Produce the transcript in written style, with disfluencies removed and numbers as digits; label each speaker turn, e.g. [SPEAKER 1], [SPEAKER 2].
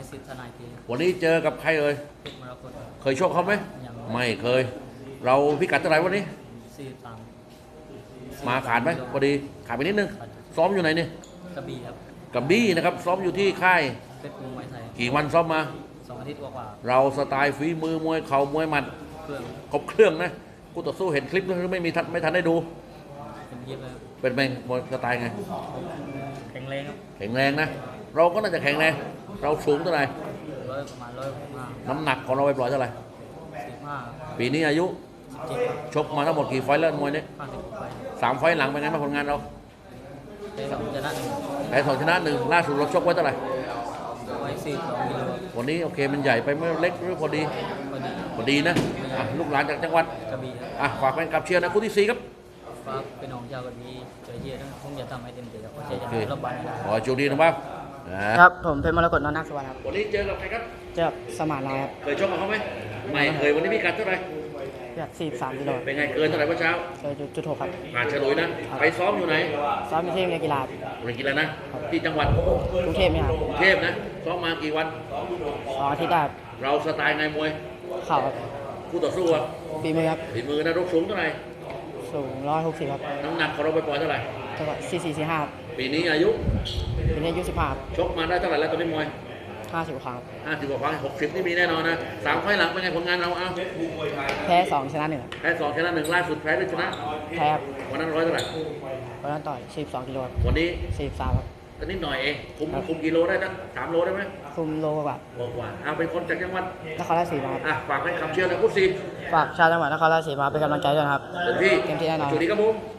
[SPEAKER 1] สิทธิ์ทนายที
[SPEAKER 2] วันนี้เจอกับใครเอ่ย
[SPEAKER 1] เพชรมรกต
[SPEAKER 2] เคยชกเขาไหม
[SPEAKER 1] ยัง
[SPEAKER 2] ไม่เคย เราพิกัดเท่าไหร่วันนี้
[SPEAKER 1] 43
[SPEAKER 2] มาขาดไหมพอดีขาดไปนิดนึงซ้อมอยู่ไหนเนี่ย
[SPEAKER 1] กระบี่ครับ
[SPEAKER 2] กับบี้นะครับซ้อมอยู่ที่ค่าย
[SPEAKER 1] เพชรมวยไทย
[SPEAKER 2] กี่วันซ้อมมา
[SPEAKER 1] 2 อาทิตย์กว่า
[SPEAKER 2] เราสไตล์ฝีมือมวยเข่ามวยหมัด
[SPEAKER 1] ๆเครื่อง
[SPEAKER 2] ครบเครื่องนะคู่ต่อสู้เห็นคลิปหรือไม่ทันได้ดู
[SPEAKER 1] เป็นเยียบเลยครับ
[SPEAKER 2] เป็นไงมวยสไตล์ไง
[SPEAKER 1] แข็งแรงครับ
[SPEAKER 2] แข็งแรงนะ เราก็น่าจะแข็งแรงเราสูงเท่าไหร่
[SPEAKER 1] ประมาณ165
[SPEAKER 2] น้ำหนักของเราไปปล่อยเท่าไหร่
[SPEAKER 1] 45
[SPEAKER 2] ปีนี้อายุ
[SPEAKER 1] 17ครับ
[SPEAKER 2] ชกมาทั้งหมดกี่ไฟต์แล้วมวยนี้
[SPEAKER 1] 50ไป
[SPEAKER 2] 3 ไฟต์หลังเป็นไงบ้างผลงานเรา
[SPEAKER 1] ได้2ชนะ1
[SPEAKER 2] แพ้2 ชนะ 1ล่าสุดเราชกไว้เท่าไหร่
[SPEAKER 1] ไว้42กิโล
[SPEAKER 2] วันนี้โอเคมันใหญ่ไปไม่เล็กหรือพอดี
[SPEAKER 1] พอดี
[SPEAKER 2] พอดีนะอ่ะลูกหลานจากจังหวัด
[SPEAKER 1] กระบี่ครับ
[SPEAKER 2] อ่ะฝากแฟนคลับเชียร์นะคู่ที่ 4 ครับ
[SPEAKER 1] ฝากเป็นน้องชาวกระบี่เจอเยียบผมจะทำให้เต็มที่ครับผมจะ
[SPEAKER 2] โอเค
[SPEAKER 1] รับบอลให้ได้
[SPEAKER 2] ขอให้โชคดีนะครับ
[SPEAKER 3] ครับผมเป็นมรกตนนท์นาคสวรรค์ครับ
[SPEAKER 2] วันนี้เจอกับใครครับ
[SPEAKER 3] เจอกับสมานลายครับ
[SPEAKER 2] เคยชกกับเขาไหมไม่เคยวันนี้พี่กัดเท่าไหร่
[SPEAKER 3] แบบ43กิโล
[SPEAKER 2] เป็นไงเกินเท่าไหร่เมื่อเช้า
[SPEAKER 3] เคยจุด6ครับ
[SPEAKER 2] ผ่านเฉลยนะ ไปซ้อมอยู่ไหน
[SPEAKER 3] ซ้อมอยู่ที่โรงเรียนกีฬา
[SPEAKER 2] โรงเรียนกีฬานะ ที่จังหวัด
[SPEAKER 3] กรุงเทพไหมครับ
[SPEAKER 2] กรุงเทพนะ ซ้อมมากี่วัน
[SPEAKER 3] 2 อาทิตย์ได้ครับ
[SPEAKER 2] เราสไตล์ไงมวย
[SPEAKER 3] เข่าครับ
[SPEAKER 2] คู่ต่อสู้อะ
[SPEAKER 3] ฝีมือครับ
[SPEAKER 2] ฝีมือนะรกสูงเท่าไหร่
[SPEAKER 3] สูง160ครับ
[SPEAKER 2] น้ำหนักของเราไปปล่อยเท่าไหร่
[SPEAKER 3] จังหวัด4445ครับ
[SPEAKER 2] ปีนี้อายุ
[SPEAKER 3] เป็นอายุ15ครับ
[SPEAKER 2] ชกมาได้เท่าไหร่แล้วตอนนี้มวย
[SPEAKER 3] 50ครั้งครับ
[SPEAKER 2] 50 กว่าครั้ง60 นี่มีแน่นอนนะ3 ไฟล์หลังเป็นไงผลงานเราเอา
[SPEAKER 3] แพ้2ชนะ1ครับ
[SPEAKER 2] แพ้2 ชนะ 1ล่าสุดแพ้หรือชนะ
[SPEAKER 3] แพ้ครับ
[SPEAKER 2] วันนั้นร้อยเท่าไหร่
[SPEAKER 3] วันนั้นต่อย42กิโลครับ
[SPEAKER 2] วันนี้
[SPEAKER 3] 43ครับ
[SPEAKER 2] ตอนนี้หน่อยเองคุมกิโลได้ตั้ง3 โลได้ไหม
[SPEAKER 3] คุมโลกว่า
[SPEAKER 2] บอกว่าเอาเป็นคนจากจังหวัด
[SPEAKER 3] นครราชสีมาครับ
[SPEAKER 2] อ่ะฝากให้คำเชียร์นะคู่สี่
[SPEAKER 3] ฝากชาวจังหวัดนครราชสีมาเป็นกำลังใจด้วยนะครับ
[SPEAKER 2] เต็มที่
[SPEAKER 3] เต็มที่แน่นอน
[SPEAKER 2] สวัสดีครับผม